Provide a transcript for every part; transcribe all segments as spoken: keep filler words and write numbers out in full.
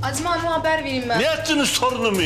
Azime Hanım'a haber vereyim ben. Ne ettiniz torunumu?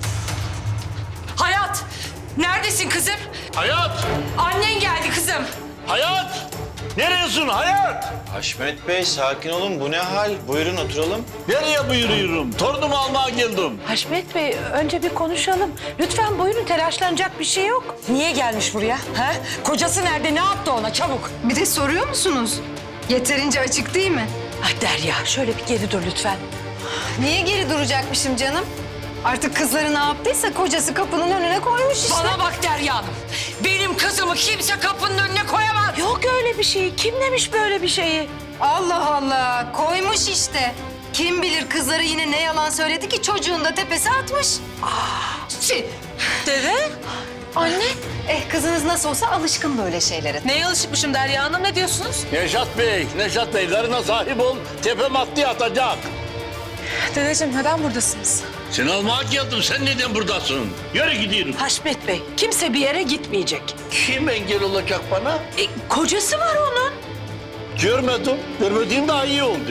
Hayat! Neredesin kızım? Hayat! Annen geldi kızım. Hayat! Neredesin Hayat? Haşmet Bey sakin olun. Bu ne hal? Buyurun oturalım. Nereye buyuruyorum? Torunumu almaya geldim. Haşmet Bey, önce bir konuşalım. Lütfen buyurun, telaşlanacak bir şey yok. Niye gelmiş buraya? Ha? Kocası nerede? Ne yaptı ona? Çabuk. Bir de soruyor musunuz? Yeterince açık değil mi? Ay Derya, şöyle bir geri dur lütfen. Niye geri duracakmışım canım? Artık kızları ne yaptıysa kocası kapının önüne koymuş işte. Bana bak Derya Hanım. Benim kızımı kimse kapının önüne koyamaz. Yok öyle bir şey. Kim demiş böyle bir şeyi? Allah Allah, koymuş işte. Kim bilir kızları yine ne yalan söyledi ki çocuğun da tepesi atmış. Çi. Dede? Anne? Eh kızınız nasıl olsa alışkın böyle şeylere. Neye alışıkmışım Derya Hanım? Ne diyorsunuz? Neşat Bey, Neşat Bey karına sahip ol. Tepem attı atacak. Dedeciğim neden buradasınız? Seni almaya geldim. Sen neden buradasın? Yürü gidiyorum. Haşmet Bey, kimse bir yere gitmeyecek. Kim engel olacak bana? E, kocası var onun. Görmedim. Görmediğim daha iyi oldu.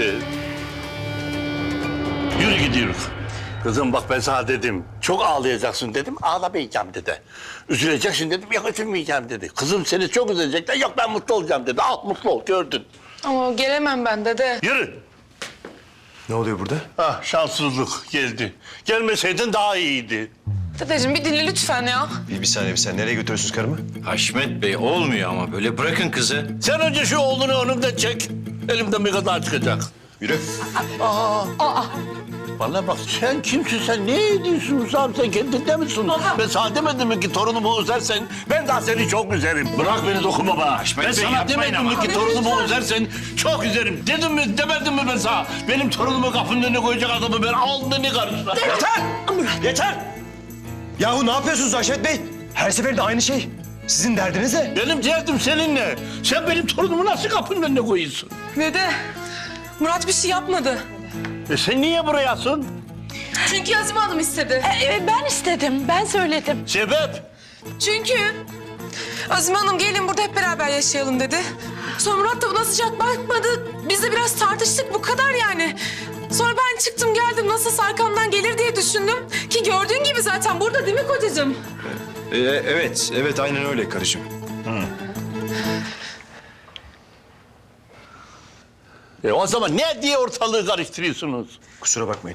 Yürü gidiyoruz. Kızım bak ben sana dedim. Çok ağlayacaksın dedim. Ağlamayacağım dedi. Üzüleceksin dedim. Yok üzülmeyeceğim dedi. Kızım seni çok üzecekler. Yok ben mutlu olacağım dedi. Al mutlu ol gördün. Ama gelemem ben dede. Yürü. Ne oluyor burada? Ah şanssızlık geldi. Gelmeseydin daha iyiydi. Dedeciğim bir dinle lütfen ya. Bir, bir saniye bir saniye. Nereye götürüyorsunuz karımı? Haşmet Bey olmuyor ama böyle bırakın kızı. Sen önce şu oğlunu önümden çek. Elimden bir kadar çıkacak. Yürü. Bana bak sen kimsin sen? Ne ediyorsun Hüsam? Sen kendinde misin? Ben sana demedim mi ki torunumu üzersen ben daha seni çok üzerim. Bırak beni dokunma bana. Haşmet Ben Bey, sana yapmayın demedim ama. mi ki torunumu üzersen çok üzerim. Dedim mi demedim mi ben sana? Benim torunumu kapının önüne koyacak adamı ben alnını karışlar. Yeter! Yeter! Yahu ne yapıyorsunuz Haşmet Bey? Her seferinde aynı şey. Sizin derdiniz ne? Benim derdim seninle. Sen benim torunumu nasıl kapının önüne koyuyorsun? Dede, Murat bir şey yapmadı. E sen niye burayasın? Çünkü Azime Hanım istedi. E, e, ben istedim, ben söyledim. Sebep? Çünkü Azime Hanım gelin burada hep beraber yaşayalım dedi. Sonra Murat da buna sıcak bakmadı. Biz de biraz tartıştık bu kadar yani. Sonra ben çıktım geldim nasıl arkamdan gelir diye düşündüm. Ki gördüğün gibi zaten burada değil mi kocacığım? Ee, evet, evet aynen öyle karıcığım. E o zaman ne diye ortalığı karıştırıyorsunuz? Kusura bakmayın.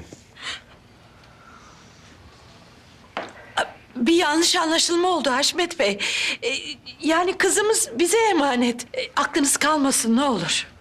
Bir yanlış anlaşılma oldu Haşmet Bey. E, yani kızımız bize emanet. E, aklınız kalmasın ne olur.